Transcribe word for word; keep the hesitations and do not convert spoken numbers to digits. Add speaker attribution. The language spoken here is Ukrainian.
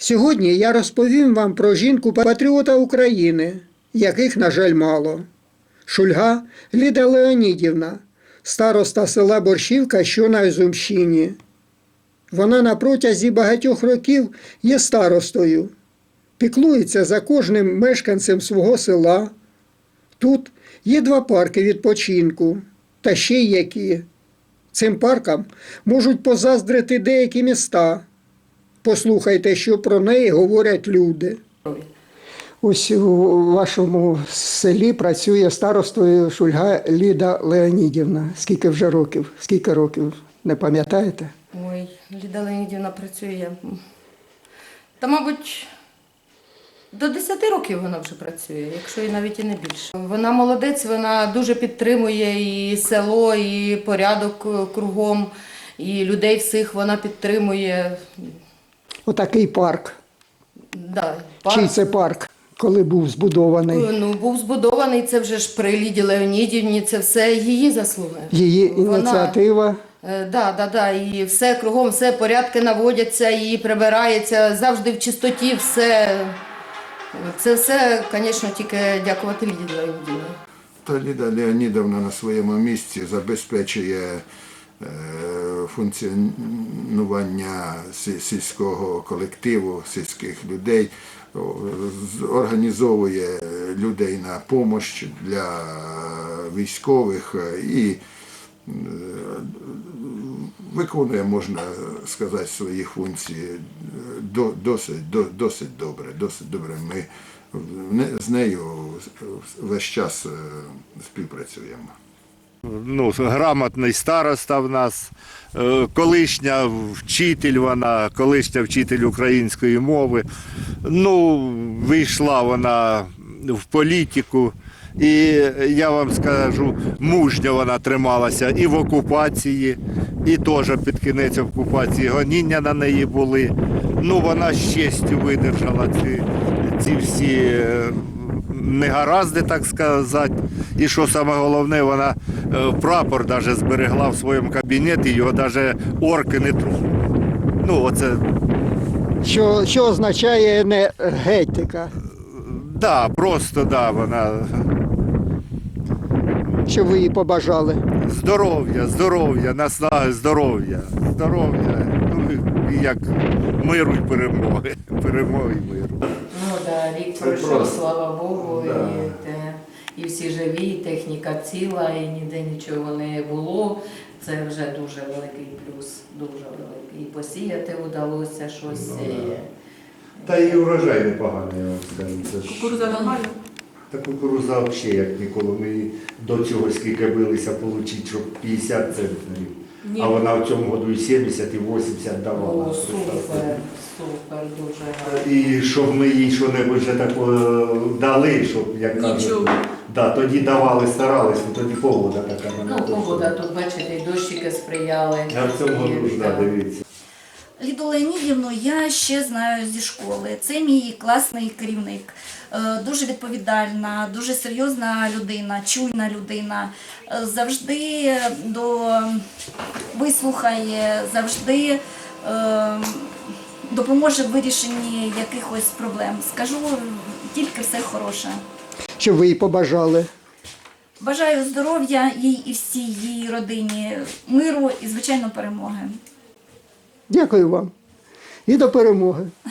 Speaker 1: Сьогодні я розповім вам про жінку-патріота України, яких, на жаль, мало. Шульга Ліда Леонідівна, староста села Борщівка, що на Ізюмщині. Вона на протязі багатьох років є старостою, піклується за кожним мешканцем свого села. Тут є два парки відпочинку, та ще й які. Цим паркам можуть позаздрити деякі міста. Послухайте, що про неї говорять люди. Ось у вашому селі працює старостою Шульга Ліда Леонідівна. Скільки вже років? Скільки років? Не пам'ятаєте?
Speaker 2: Ой, Ліда Леонідівна працює. Та, мабуть, до десяти років вона вже працює, якщо і навіть і не більше. Вона молодець, вона дуже підтримує і село, і порядок кругом, і людей всіх вона підтримує.
Speaker 1: Отакий парк.
Speaker 2: Да, парк.
Speaker 1: Чий це парк, коли був збудований?
Speaker 2: Ну, був збудований, це вже ж при Ліді Леонідівні, це все її заслуги.
Speaker 1: Її ініціатива?
Speaker 2: Вона, да, да, да, і все кругом, все порядки наводяться, і прибирається, завжди в чистоті, все. Це все, звісно, тільки дякувати Ліді Леонідівні.
Speaker 3: Та Ліда Леонідовна на своєму місці забезпечує функціонування сільського колективу, сільських людей, організовує людей на допомогу для військових і виконує, можна сказати, свої функції досить, досить добре. Досить добре. Ми з нею весь час співпрацюємо.
Speaker 4: Ну, грамотний староста в нас, колишня вчитель вона, колишня вчитель української мови. Ну, вийшла вона в політику. І я вам скажу, мужньо вона трималася і в окупації, і теж під кінець окупації гоніння на неї були. Ну, вона з честю видержала ці, ці всі негаразди, так сказати. І що саме головне, вона прапор навіть зберегла в своєму кабінеті, його навіть орки не тронули. Ну, оце...
Speaker 1: Що, що означає енергетика?
Speaker 4: Да, просто, да, вона...
Speaker 1: Що ви їй побажали?
Speaker 4: Здоров'я, здоров'я, наснаги, здоров'я, здоров'я, ну, і як миру й перемоги, перемоги й миру.
Speaker 2: Ну, да, рік пройшов, просто... слава Богу, да. і, те, і всі живі, і техніка ціла, і ніде нічого не було. Це вже дуже великий плюс, дуже великий. І посіяти вдалося щось.
Speaker 5: Ну, да. Та і урожай непоганий, я вам скажу.
Speaker 2: Кукурудза нормальна?
Speaker 5: Та кукурудза взагалі як ніколи. Ми до цього скільки билися отримати, щоб п'ятдесят центнерів. Ні. А вона в цьому году і сімдесят, і вісімдесят давала.
Speaker 2: О, супер, супер, дуже гарно.
Speaker 5: І щоб ми їй що-небудь вже такого дали, щоб, як кажуть, да, тоді давали, старались, тоді погода така.
Speaker 2: Ну, погода, тут, бачите, і дощики сприяли.
Speaker 5: А в цьому году ж, да, дивіться.
Speaker 6: Ліду Леонідівну я ще знаю зі школи. Це мій класний керівник. Дуже відповідальна, дуже серйозна людина, чуйна людина. Завжди до... вислухає, завжди допоможе в вирішенні якихось проблем. Скажу тільки все хороше.
Speaker 1: Що ви їй побажали?
Speaker 6: Бажаю здоров'я їй і всій її родині, миру і, звичайно, перемоги.
Speaker 1: Дякую вам. І до перемоги.